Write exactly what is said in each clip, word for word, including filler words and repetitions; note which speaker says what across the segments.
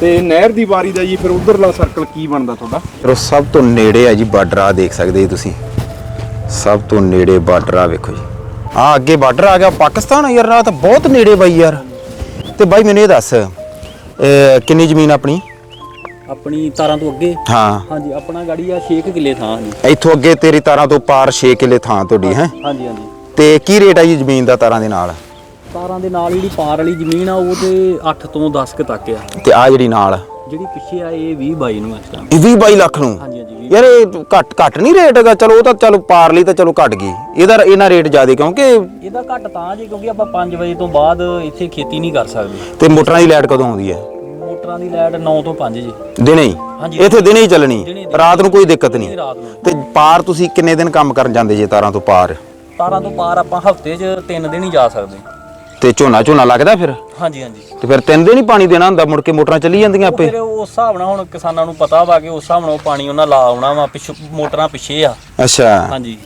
Speaker 1: ਤੇ ਨਹਿਰ ਦੀ ਵਾਰੀ ਦਾ ਜੀ ਫਿਰ ਉਧਰਲਾ ਸਰਕਲ ਕੀ ਬਣਦਾ ਤੁਹਾਡਾ?
Speaker 2: ਫਿਰ ਸਭ ਤੋਂ ਨੇੜੇ ਹੈ ਜੀ ਬਾਰਡਰ, ਆ ਦੇਖ ਸਕਦੇ ਜੀ ਤੁਸੀਂ, ਸਭ ਤੋਂ ਨੇੜੇ ਬਾਰਡਰ ਆ ਵੇਖੋ ਜੀ, ਆ ਅੱਗੇ ਬਾਰਡਰ ਆ ਗਿਆ ਪਾਕਿਸਤਾਨ। ਯਾਰ ਆ ਤਾਂ ਬਹੁਤ ਨੇੜੇ ਬਾਈ ਯਾਰ। ਤੇ ਬਾਈ ਮੈਨੂੰ ਇਹ ਦੱਸ ਕਿੰਨੀ ਜ਼ਮੀਨ ਆਪਣੀ?
Speaker 3: ਆਪਣੀ ਤਾਰਾਂ ਤੋਂ ਅੱਗੇ
Speaker 2: ਹਾਂ
Speaker 3: ਹਾਂਜੀ ਆਪਣਾ ਗਾੜੀ ਆ ਛੇ ਕਿੱਲੇ ਥਾਂ ਜੀ।
Speaker 2: ਇੱਥੋਂ ਅੱਗੇ ਤੇਰੀ ਤਾਰਾਂ ਤੋਂ ਪਾਰ ਛੇ ਕਿੱਲੇ ਥਾਂ ਤੁਹਾਡੀ ਹੈ?
Speaker 3: ਹਾਂਜੀ ਹਾਂਜੀ।
Speaker 2: ਤੇ ਕੀ ਰੇਟ ਆ ਜੀ ਜ਼ਮੀਨ ਦਾ ਤਾਰਾਂ ਦੇ ਨਾਲ?
Speaker 3: ਤਾਰਾਂ ਦੇ ਨਾਲ ਜਿਹੜੀ ਪਾਰ ਵਾਲੀ ਜ਼ਮੀਨ ਆ ਉਹ ਤੇ ਅੱਠ ਤੋਂ ਦਸ ਕੁ ਤੱਕ ਆ।
Speaker 2: ਤੇ ਆ ਜਿਹੜੀ ਨਾਲ
Speaker 3: ਜਿਹੜੀ ਪਿੱਛੇ ਆ ਇਹ ਵੀਹ ਬਾਈ ਨੂੰ ਇਸ ਟਾਈਮ।
Speaker 2: ਇਹ ਵੀਹ ਬਾਈ ਲੱਖ ਨੂੰ?
Speaker 3: ਹਾਂਜੀ ਹਾਂਜੀ।
Speaker 2: ਯਾਰ ਇਹ ਘੱਟ ਘੱਟ ਨਹੀਂ ਰੇਟ ਹੈਗਾ? ਚਲੋ ਉਹ ਤਾਂ ਚਲੋ ਪਾਰ ਲਈ ਤਾਂ ਚਲੋ ਘਟ ਗਈ, ਇਹਦਾ ਇਹਨਾਂ ਰੇਟ ਜ਼ਿਆਦਾ ਕਿਉਂਕਿ
Speaker 3: ਇਹਦਾ ਘੱਟ ਤਾਂ ਜੀ ਕਿਉਂਕਿ ਆਪਾਂ ਪੰਜ ਵਜੇ ਤੋਂ ਬਾਅਦ ਇੱਥੇ ਖੇਤੀ ਨਹੀਂ ਕਰ ਸਕਦੇ।
Speaker 2: ਤੇ ਮੋਟਰਾਂ ਦੀ ਲਾਈਟ ਕਦੋਂ ਆਉਂਦੀ ਹੈ?
Speaker 3: ਮੋਟਰਾਂ ਦੀ ਲਾਈਟ ਨੌ ਤੋਂ ਪੰਜ ਜੀ
Speaker 2: ਦਿਨੇ ਹੀ? ਇੱਥੇ ਦਿਨੇ ਹੀ ਚੱਲਣੀ, ਰਾਤ ਨੂੰ ਕੋਈ ਦਿੱਕਤ ਨਹੀਂ?
Speaker 3: ਰਾਤ ਨੂੰ।
Speaker 2: ਤੇ ਪਾਰ ਤੁਸੀਂ ਕਿੰਨੇ ਦਿਨ ਕੰਮ ਕਰਨ ਜਾਂਦੇ ਜੇ ਤਾਰਾਂ ਤੋਂ ਪਾਰ?
Speaker 3: ਤਾਰਾਂ ਤੋਂ ਪਾਰ ਆਪਾਂ ਹਫ਼ਤੇ 'ਚ ਤਿੰਨ ਦਿਨ ਹੀ ਜਾ ਸਕਦੇ।
Speaker 2: ਤੇ ਝੋਨਾ ਝੋਨਾ ਲੱਗਦਾ ਫਿਰ?
Speaker 3: ਹਾਂਜੀ ਹਾਂਜੀ।
Speaker 2: ਤੇ ਫਿਰ ਤਿੰਨ ਦਿਨ ਹੀ ਪਾਣੀ ਦੇਣਾ ਹੁੰਦਾ, ਮੁੜ ਕੇ ਮੋਟਰਾਂ ਚੱਲੀ ਜਾਂਦੀਆਂ ਆਪੇ?
Speaker 3: ਫਿਰ ਉਸ ਹਿਸਾਬ ਨਾਲ ਹੁਣ ਕਿਸਾਨਾਂ ਨੂੰ ਪਤਾ ਵਾ ਕਿ ਉਸ ਹਿਸਾਬ ਨਾਲ ਪਾਣੀ ਉਹਨਾਂ ਲਾ ਆਉਣਾ ਵਾ, ਪਿੱਛੋਂ ਮੋਟਰਾਂ ਪਿੱਛੇ ਆ।
Speaker 2: ਅੱਛਾ
Speaker 3: ਹਾਂਜੀ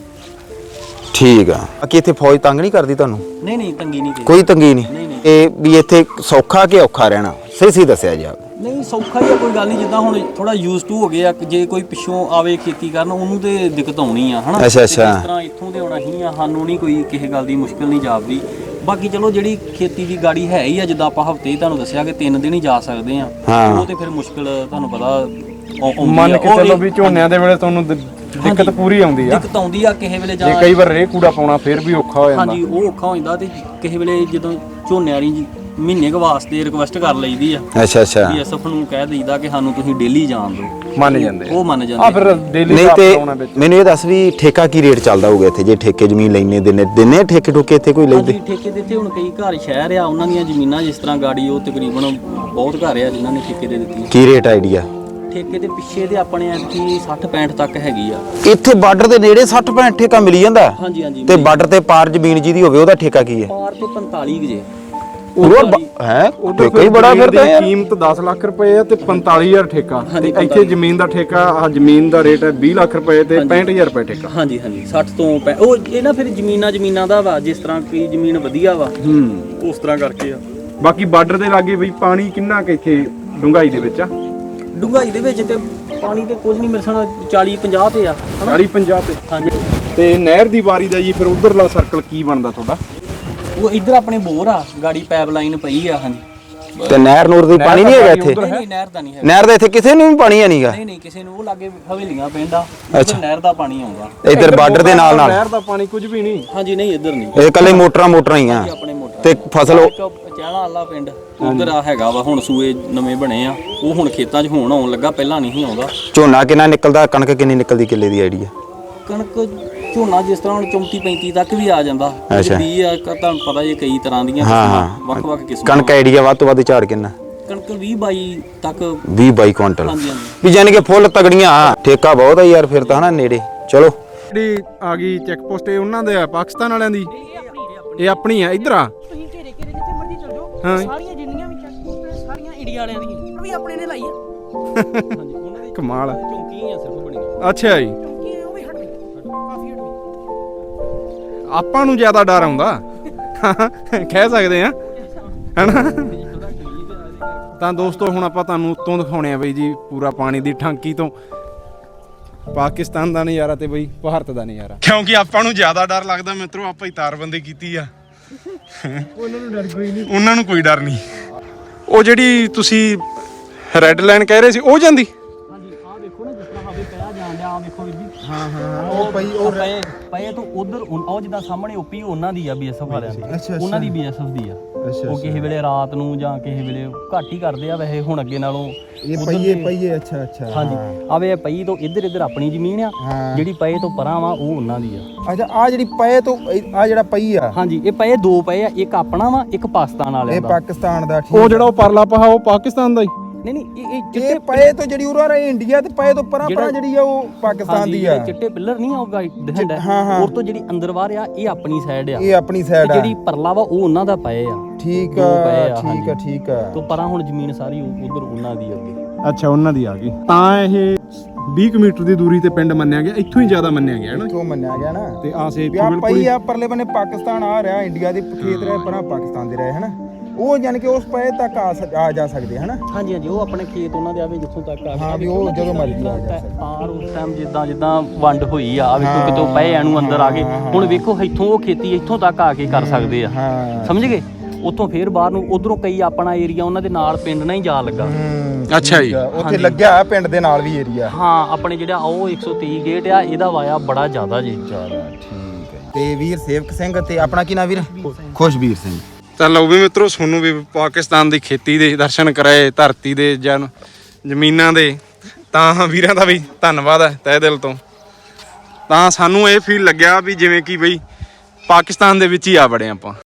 Speaker 2: ਠੀਕ ਆ। ਬਾਕੀ ਇੱਥੇ ਫੌਜ ਤੰਗ ਨਹੀਂ ਕਰਦੀ ਤੁਹਾਨੂੰ?
Speaker 3: ਨਹੀਂ ਨਹੀਂ ਤੰਗੀ ਨਹੀਂ
Speaker 2: ਕੋਈ ਤੰਗੀ ਨਹੀਂ? ਇਹ ਵੀ ਇੱਥੇ ਸੌਖਾ ਕਿ ਔਖਾ ਰਹਿਣਾ, ਸਹੀ ਸਹੀ ਦੱਸਿਆ ਜੀ।
Speaker 3: ਨਹੀਂ ਸੌਖਾ ਹੀ ਆ, ਕੋਈ ਗੱਲ ਨਹੀਂ। ਜਿੱਦਾਂ ਹੁਣ ਥੋੜਾ ਯੂਜ਼ ਟੂ ਹੋ ਗਏ ਆ, ਜੇ ਕੋਈ ਪਿੱਛੋਂ ਆਵੇ ਖੇਤੀ ਕਰਨ ਉਹਨੂੰ ਤੇ ਦਿੱਕਤ ਆਉਣੀ ਆ ਹਨਾ।
Speaker 2: ਅੱਛਾ ਅੱਛਾ।
Speaker 3: ਇਸ ਤਰ੍ਹਾਂ ਇੱਥੋਂ ਦੇ ਆਉਣਾ ਹੀ ਆ, ਸਾਨੂੰ ਨਹੀਂ ਕੋਈ ਕਿਸੇ ਗੱਲ ਦੀ ਮੁਸ਼ਕਲ ਨਹੀਂ ਜਾਪਦੀ। ਬਾਕੀ ਚਲੋ ਜਿਹੜੀ ਖੇਤੀ ਦੀ ਗਾੜੀ ਹੈ ਹੀ ਆ, ਜਿੱਦਾਂ ਆਪਾਂ ਹਫ਼ਤੇ ਤੁਹਾਨੂੰ ਦੱਸਿਆ ਕਿ ਤਿੰਨ ਦਿਨ ਹੀ ਜਾ ਸਕਦੇ ਆ, ਉਹ ਤੇ ਫਿਰ ਮੁਸ਼ਕਲ ਤੁਹਾਨੂੰ ਪਤਾ
Speaker 1: ਮੰਨ ਕੇ ਚੱਲੋ ਵੀ ਝੋਨਿਆਂ ਦੇ ਵੇਲੇ ਤੁਹਾਨੂੰ ਦਿੱਕਤ ਪੂਰੀ ਆਉਂਦੀ ਆ?
Speaker 3: ਦਿੱਕਤ ਆਉਂਦੀ ਆ ਕਿਸੇ ਵੇਲੇ, ਜਾਂ
Speaker 1: ਜੇ ਕਈ ਵਾਰ ਰੇ ਕੂੜਾ ਪਾਉਣਾ ਫਿਰ ਵੀ ਔਖਾ ਹੋ ਜਾਂਦਾ।
Speaker 3: ਹਾਂਜੀ ਉਹ ਔਖਾ ਹੋ ਜਾਂਦਾ। ਤੇ ਕਿਸੇ ਵੇਲੇ ਜਦੋਂ ਝੋਨੇ ਵਾਲੀ ਮਹੀਨੇ ਕੁ ਵਾਸਤੇ ਰਿਕੁਐਸਟ ਕਰ ਲਈਦੀ ਆ।
Speaker 2: ਅੱਛਾ ਅੱਛਾ।
Speaker 3: ਬੀਐਸਐਫ ਨੂੰ ਕਹਿ ਦਈਦਾ ਕਿ ਸਾਨੂੰ ਤੁਸੀਂ ਡੇਲੀ ਜਾਣ ਦਿਓ,
Speaker 1: ਮੰਨ ਜਾਂਦੇ
Speaker 3: ਉਹ ਮੰਨ ਜਾਂਦੇ
Speaker 1: ਆ। ਫਿਰ ਡੇਲੀ
Speaker 2: ਨਹੀਂ ਤੇ ਮੈਨੂੰ ਇਹ ਦੱਸ ਵੀ ਠੇਕਾ ਕੀ ਰੇਟ ਚੱਲਦਾ ਹੋਊਗਾ ਇੱਥੇ, ਜੇ ਠੇਕੇ ਜ਼ਮੀਨ ਲੈਣੇ ਦਿਨੇ ਦਿਨੇ ਠੇਕੇ ਠੋਕੇ ਇੱਥੇ ਕੋਈ ਲੈਂਦੇ?
Speaker 3: ਹਾਂਜੀ ਠੇਕੇ ਦੇ ਇੱਥੇ ਹੁਣ ਕਈ ਘਰ ਸ਼ਹਿਰ ਆ ਉਹਨਾਂ ਦੀਆਂ ਜ਼ਮੀਨਾਂ ਜਿਸ ਤਰ੍ਹਾਂ ਗਾੜੀ ਉਹ ਤਕਰੀਬਨ ਬਹੁਤ ਘਰ ਆ ਜਿਨ੍ਹਾਂ ਨੇ ਠੇਕੇ ਦੇ ਦਿੱਤੀਆਂ।
Speaker 2: ਕੀ ਰੇਟ ਆਈਡੀਆ?
Speaker 3: ਠੇਕੇ ਦੇ ਪਿੱਛੇ ਦੇ ਆਪਣੇ ਐਤਕੀ ਸੱਠ ਪੈਂਹਠ ਤੱਕ ਹੈਗੀ ਆ।
Speaker 2: ਇੱਥੇ ਬਾਰਡਰ ਦੇ ਨੇੜੇ ਸੱਠ ਪੈਂਹਠ ਠੇਕਾ ਮਿਲੀ ਜਾਂਦਾ?
Speaker 3: ਹਾਂਜੀ ਹਾਂਜੀ।
Speaker 2: ਤੇ ਬਾਰਡਰ ਤੇ ਪਾਰ ਜ਼ਮੀਨ ਜਿਹਦੀ ਹੋਵੇ ਉਹਦਾ ਠੇਕਾ ਕੀ ਹੈ?
Speaker 3: ਪਾਰ ਤੇ ਪੰਤਾਲੀ ਜੇ
Speaker 2: ਹੈ ਠੇਕਾ ਹੀ ਬੜਾ ਫਿਰ ਤਾਂ ਯਾਰ।
Speaker 1: ਕੀਮਤ ਦਸ ਲੱਖ ਰੁਪਏ ਆ ਤੇ ਪੰਤਾਲੀ ਹਜ਼ਾਰ ਠੇਕਾ। ਤੇ ਇੱਥੇ ਜ਼ਮੀਨ ਦਾ ਠੇਕਾ, ਆ ਜ਼ਮੀਨ ਦਾ ਰੇਟ ਹੈ ਵੀਹ ਲੱਖ ਰੁਪਏ ਤੇ ਪੈਂਹਠ ਹਜ਼ਾਰ ਰੁਪਏ ਠੇਕਾ।
Speaker 3: ਹਾਂਜੀ ਹਾਂਜੀ। ਸੱਠ ਤੋਂ ਉਹ ਇਹ ਨਾ ਫਿਰ ਜ਼ਮੀਨਾਂ ਜ਼ਮੀਨਾਂ ਦਾ ਵਾ, ਜਿਸ ਤਰ੍ਹਾਂ ਕੀ ਜ਼ਮੀਨ ਵਧੀਆ ਵਾ
Speaker 1: ਹੂੰ
Speaker 3: ਉਸ ਤਰ੍ਹਾਂ ਕਰਕੇ ਆ।
Speaker 1: ਬਾਕੀ ਬਾਰਡਰ ਦੇ ਲਾਗੇ ਬਈ ਪਾਣੀ ਕਿੰਨਾ ਕਿ ਇੱਥੇ ਡੂੰਘਾਈ ਦੇ ਵਿੱਚ ਆ?
Speaker 3: ਡੂੰਘਾਈ ਦੇ ਵਿੱਚ ਤੇ ਪਾਣੀ ਤੇ ਕੁਝ ਨਹੀਂ ਮਿਲਣਾ, ਚਾਲੀ ਪੰਜਾਹ ਤੇ ਆ।
Speaker 1: ਚਾਲੀ ਪੰਜਾਹ ਤੇ?
Speaker 3: ਹਾਂਜੀ।
Speaker 1: ਤੇ ਨਹਿਰ ਦੀ ਵਾਰੀ ਦਾ ਜੀ ਫਿਰ ਉਧਰਲਾ ਸਰਕਲ ਕੀ ਬਣਦਾ ਤੁਹਾਡਾ?
Speaker 3: ਉਹ ਇੱਧਰ ਆਪਣੇ ਬੋਰ ਆ, ਗਾੜੀ ਪਾਈਪ ਲਾਈਨ ਪਈ ਆ। ਹਾਂਜੀ।
Speaker 2: ਤੇ ਨਹਿਰ ਨੂਰ ਦੀ ਪਾਣੀ ਨਹੀਂ ਹੈਗਾ ਇੱਥੇ?
Speaker 3: ਨਹੀਂ ਨਹਿਰ ਦਾ ਨਹੀਂ ਹੈ।
Speaker 2: ਨਹਿਰ ਦਾ ਇੱਥੇ ਕਿਸੇ ਨੂੰ ਵੀ ਪਾਣੀ ਹੈ ਨਹੀਂਗਾ?
Speaker 3: ਨਹੀਂ ਨਹੀਂ ਕਿਸੇ ਨੂੰ। ਉਹ ਲਾਗੇ ਹਵੇਲੀਆਂ ਪਿੰਡ ਆ, ਉੱਧਰ ਨਹਿਰ ਦਾ ਪਾਣੀ ਆਉਂਦਾ।
Speaker 2: ਇੱਧਰ ਬਾਰਡਰ ਦੇ ਨਾਲ ਨਾਲ
Speaker 1: ਨਹਿਰ ਦਾ ਪਾਣੀ ਕੁਝ ਵੀ ਨਹੀਂ?
Speaker 3: ਹਾਂਜੀ ਨਹੀਂ ਇੱਧਰ ਨਹੀਂ,
Speaker 2: ਇਹ ਕੱਲੇ ਮੋਟਰਾਂ ਮੋਟਰਾਂ ਹੀ ਆ
Speaker 3: ਆਪਣੇ ਮੋਟਰ
Speaker 2: ਤੇ ਫਸਲ।
Speaker 3: ਇੱਕ ਚਹਿਲਾ ਵਾਲਾ ਪਿੰਡ ਉੱਧਰ ਆ ਹੈਗਾ ਵਾ, ਹੁਣ ਸੂਏ ਨਵੇਂ ਬਣੇ ਆ, ਉਹ ਹੁਣ ਖੇਤਾਂ 'ਚ ਹੋਣ ਆਉਣ ਲੱਗਾ, ਪਹਿਲਾਂ ਨਹੀਂ ਸੀ ਆਉਂਦਾ।
Speaker 2: ਝੋਨਾ ਕਿੰਨਾ ਨਿਕਲਦਾ, ਕਣਕ ਕਿੰਨੀ ਨਿਕਲਦੀ ਕਿੱਲੇ ਦੀ ਆਈਡੀਆ?
Speaker 3: ਕਣਕ ਝੋਨਾ ਜਿਸ ਤਰ੍ਹਾਂ ਹੁਣ ਚੌਂਤੀ ਪੈਂਤੀ ਤੱਕ ਵੀ ਆ ਜਾਂਦਾ। ਵੀ ਆ ਤੁਹਾਨੂੰ ਪਤਾ ਜੇ ਕਈ ਤਰ੍ਹਾਂ ਦੀਆਂ ਵੱਖ ਵੱਖ ਕਿਸਮਾਂ।
Speaker 2: ਕਣਕ ਆਈਡੀਆ ਵੱਧ ਤੋਂ ਵੱਧ ਝਾੜ ਕਿੰਨਾ?
Speaker 3: ਕਣਕ ਵੀਹ ਬਾਈ ਤੱਕ।
Speaker 2: ਵੀਹ ਬਾਈ ਕੁਇੰਟਲ?
Speaker 3: ਹਾਂਜੀ ਹਾਂਜੀ।
Speaker 2: ਵੀ ਜਾਨੀ ਕਿ ਫੁੱਲ ਤਗੜੀਆਂ। ਠੇਕਾ ਬਹੁਤ ਆ ਯਾਰ ਫਿਰ ਤਾਂ ਹਨਾ ਨੇੜੇ। ਚਲੋ
Speaker 1: ਜਿਹੜੀ ਆ ਗਈ ਚੈੱਕ ਪੋਸਟ, ਇਹ ਉਹਨਾਂ ਦੇ ਆ ਪਾਕਿਸਤਾਨ ਵਾਲਿਆਂ ਦੀ? ਇਹ ਆਪਣੀ ਆ ਇੱਧਰ ਆ?
Speaker 4: ਤੁਸੀਂ ਘੇਰੇ ਘੇਰੇ ਜਿੱਥੇ ਮਰਜ਼ੀ ਚਲ ਜਾਓ,
Speaker 1: ਹਾਂ।
Speaker 4: ਸਾਰੀਆਂ ਜਿੰਨੀਆਂ ਵੀ ਚੈੱਕ ਪੋਸਟ ਸਾਰੀਆਂ ਇੰਡੀਆ ਵਾਲਿਆਂ ਦੀਆਂ ਵੀ ਆਪਣੇ ਨੇ ਲਾਈ ਆ।
Speaker 3: ਹਾਂਜੀ ਉਹਨਾਂ ਦੀ
Speaker 1: ਕਮਾਲ।
Speaker 3: ਚੌਂਕੀਆਂ ਆ ਸਿਰਫ ਬਣੀਆਂ।
Speaker 1: ਅੱਛਾ ਜੀ।
Speaker 4: ਕਿਉਂਕਿ ਉਹ ਵੀ ਹਟ ਗਈ, ਕਾਫੀ ਹਟ ਗਈ।
Speaker 1: ਆਪਾਂ ਨੂੰ ਜ਼ਿਆਦਾ ਡਰ ਆਉਂਦਾ ਕਹਿ ਸਕਦੇ ਆ ਹਨਾ। ਤਾਂ ਦੋਸਤੋ ਹੁਣ ਆਪਾਂ ਤੁਹਾਨੂੰ ਉੱਤੋਂ ਦਿਖਾਉਣੇ ਆ ਬਈ ਜੀ ਪੂਰਾ ਪਾਣੀ ਦੀ ਟਾਂਕੀ ਤੋਂ ਪਾਕਿਸਤਾਨ ਦਾ ਨਜ਼ਾਰਾ ਤੇ ਬਈ ਭਾਰਤ ਦਾ ਨਜ਼ਾਰਾ। ਕਿਉਂਕਿ ਆਪਾਂ ਨੂੰ ਜ਼ਿਆਦਾ ਡਰ ਲੱਗਦਾ ਮਿੱਤਰੋ, ਆਪਾਂ ਹੀ ਤਾਰਬੰਦੀ ਕੀਤੀ ਆ। ਉਹਨਾਂ ਨੂੰ ਡਰ ਕੋਈ ਨਹੀਂ, ਉਹਨਾਂ ਨੂੰ ਕੋਈ ਡਰ ਨਹੀਂ। ਉਹ ਜਿਹੜੀ ਤੁਸੀਂ ਰੈੱਡ ਲਾਈਨ ਕਹਿ ਰਹੇ ਸੀ ਉਹ ਜਾਂਦੀ?
Speaker 3: ਹਾਂਜੀ ਆਹ ਦੇਖੋ ਨਾ, ਜਿਸ ਤਰ੍ਹਾਂ ਹਵੇ ਪਿਆ ਜਾਣ ਡਿਆ, ਆਹ ਦੇਖੋ ਵੀਰ ਜੀ।
Speaker 1: ਹਾਂ ਹਾਂ ਉਹ ਪਈ ਉਹ
Speaker 3: ਪਏ ਪਏ ਤੋਂ ਉਧਰ ਉਹ ਜਿੱਦਾਂ ਸਾਹਮਣੇ ਓਪੀ ਉਹਨਾਂ ਦੀ ਆ, ਬੀਐਸਐਫ ਵਾਲਿਆਂ ਦੀ। ਉਹਨਾਂ ਦੀ ਬੀਐਸਐਫ ਦੀ ਆ। ਉਹ ਕਿਸੇ ਵੇਲੇ ਰਾਤ ਨੂੰ ਜਾਂ ਕਿਸੇ ਵੇਲੇ ਘੱਟ ਹੀ ਕਰਦੇ ਆ ਵੈਸੇ ਹੁਣ ਅੱਗੇ ਨਾਲੋਂ।
Speaker 5: ਇਹ ਪਈਏ ਪਈਏ ਅੱਛਾ ਅੱਛਾ।
Speaker 3: ਹਾਂਜੀ ਆਵੇ ਪਈ ਤੋਂ ਇੱਧਰ ਇੱਧਰ ਆਪਣੀ ਜ਼ਮੀਨ ਆ, ਜਿਹੜੀ ਪਏ ਤੋਂ ਪਰਾਂ ਵਾ ਉਹ ਉਹਨਾਂ ਦੀ ਆ।
Speaker 5: ਅੱਛਾ ਆ ਜਿਹੜੀ ਪਏ ਤੋਂ ਆ ਜਿਹੜਾ ਪਈ ਆ?
Speaker 3: ਹਾਂਜੀ ਇਹ ਪਏ ਦੋ ਪਏ ਆ, ਇੱਕ ਆਪਣਾ ਵਾ ਇੱਕ ਪਾਕਿਸਤਾਨ ਵਾਲਿਆਂ
Speaker 5: ਇਹ
Speaker 3: ਦਾ।
Speaker 5: ਪਾਕਿਸਤਾਨ ਦਾ? ਠੀਕ।
Speaker 1: ਉਹ ਜਿਹੜਾ ਉਹ ਪਰਲਾ ਪਹਾ ਉਹ ਪਾਕਿਸਤਾਨ ਦਾ ਹੀ?
Speaker 3: ਨਹੀਂ ਨਹੀਂ ਇਹ
Speaker 5: ਇਹ ਪਏ ਤੋਂ ਜਿਹੜੀ ਉਰਾ ਰਹੀ ਇੰਡੀਆ ਤੇ ਪਏ ਤੋਂ ਪਰਾਂ ਪਰਾਂ ਜਿਹੜੀ ਆ ਉਹ ਪਾਕਿਸਤਾਨ ਦੀ ਆ।
Speaker 3: ਚਿੱਟੇ ਪਿੱਲਰ ਨਹੀਂ ਆਉਗਾ ਦਿਖਣ ਡਿਆ, ਉਹ ਤੋਂ ਜਿਹੜੀ ਅੰਦਰ ਬਾਹਰ ਆ ਇਹ ਆਪਣੀ ਸਾਈਡ ਆ।
Speaker 5: ਇਹ ਆਪਣੀ ਸਾਈਡ ਆ।
Speaker 3: ਜਿਹੜੀ ਪਰਲਾ ਵਾ ਉਹ ਉਹਨਾਂ ਦਾ ਪਏ ਆ।
Speaker 5: ਠੀਕ ਆ ਠੀਕ ਆ ਠੀਕ ਆ।
Speaker 3: ਤੋਂ ਪਰਾਂ ਹੁਣ ਜ਼ਮੀਨ ਸਾਰੀ ਉਧਰ ਉਹਨਾਂ ਦੀ ਅੱਗੇ।
Speaker 1: ਅੱਛਾ ਉਹਨਾਂ ਦੀ ਆ ਗਈ। ਤਾਂ ਇਹ ਵੀਹ ਕਿਲੋਮੀਟਰ ਦੀ ਦੂਰੀ ਤੇ ਪਿੰਡ ਮੰਨਿਆ ਗਿਆ, ਇੱਥੋਂ ਹੀ ਜ਼ਿਆਦਾ ਮੰਨਿਆ ਗਿਆ ਹੈ ਨਾ?
Speaker 5: ਇੱਥੋਂ ਮੰਨਿਆ ਗਿਆ ਨਾ।
Speaker 1: ਤੇ ਆ ਸੇ
Speaker 5: ਪਈ ਆ ਪਰਲੇ ਬੰਨੇ ਪਾਕਿਸਤਾਨ ਆ ਰਿਹਾ, ਇੰਡੀਆ ਦੇ ਖੇਤ ਰਹੇ ਪਰਾਂ ਪਾਕਿਸਤਾਨ ਦੇ ਰਹੇ ਹਨਾ। ਉਹ ਯਾਨੀ ਕਿ ਉਸ ਪਏ ਤੱਕ ਆ ਸਕ- ਆ ਜਾ ਸਕਦੇ ਹਨਾ।
Speaker 3: ਹਾਂਜੀ ਹਾਂਜੀ ਉਹ ਆਪਣੇ ਖੇਤ ਉਹਨਾਂ ਦੇ ਆਵੇ ਜਿੱਥੋਂ ਤੱਕ ਆ
Speaker 5: ਹਾਂ, ਵੀ ਉਹ ਜਦੋਂ ਮਰਜ਼ੀ ਆ ਜਾ
Speaker 3: ਆਰ ਉਸ ਟਾਈਮ ਜਿੱਦਾਂ ਜਿੱਦਾਂ ਵੰਡ ਹੋਈ ਆ ਵੇਖੋ ਕਿਤੋਂ ਪਏ ਐਨੂੰ ਅੰਦਰ ਆ ਗਏ ਹੁਣ ਵੇਖੋ ਇੱਥੋਂ ਉਹ ਖੇਤੀ ਇੱਥੋਂ ਤੱਕ ਆ ਕੇ ਕਰ ਸਕਦੇ ਆ
Speaker 5: ਹਾਂ
Speaker 3: ਸਮਝ ਗਏ ਉੱਥੋਂ ਫੇਰ ਬਾਹਰ ਨੂੰ ਉਧਰੋਂ ਕਈ ਆਪਣਾ ਏਰੀਆ ਉਹਨਾਂ ਦੇ ਨਾਲ ਪਿੰਡ ਨਾਲ ਹੀ ਜਾ ਲੱਗਾ
Speaker 1: ਅੱਛਾ ਜੀ।
Speaker 5: ਉੱਥੇ ਲੱਗਿਆ ਹੋਇਆ ਪਿੰਡ ਦੇ ਨਾਲ ਵੀ ਏਰੀਆ।
Speaker 3: ਹਾਂ ਆਪਣੇ ਜਿਹੜਾ ਉਹ ਇੱਕ ਸੌ ਤੀਹ ਗੇਟ ਆ ਇਹਦਾ ਵਾਇਆ ਬੜਾ ਜ਼ਿਆਦਾ ਜੀ
Speaker 5: ਚਲੋ ਠੀਕ ਹੈ। ਤੇ ਵੀਰ ਸੇਵਕ ਸਿੰਘ ਤੇ ਆਪਣਾ ਕੀ ਨਾਮ ਵੀਰ? ਖੁਸ਼ਵੀਰ ਸਿੰਘ।
Speaker 1: ਤਾਂ ਲਓ ਵੀ ਮਿੱਤਰੋ ਤੁਹਾਨੂੰ ਵੀ ਪਾਕਿਸਤਾਨ ਦੀ ਖੇਤੀ ਦੇ ਦਰਸ਼ਨ ਕਰਾਏ, ਧਰਤੀ ਦੇ ਜਨ ਜ਼ਮੀਨਾਂ ਦੇ, ਤਾਂ ਵੀਰਾਂ ਦਾ ਵੀ ਧੰਨਵਾਦ ਹੈ ਤਹਿ ਦਿਲ ਤੋਂ। ਤਾਂ ਸਾਨੂੰ ਇਹ ਫੀਲ ਲੱਗਿਆ ਵੀ ਜਿਵੇਂ ਕਿ ਬਈ ਪਾਕਿਸਤਾਨ ਦੇ ਵਿੱਚ ਹੀ ਆ ਬੜੇ ਆਪਾਂ।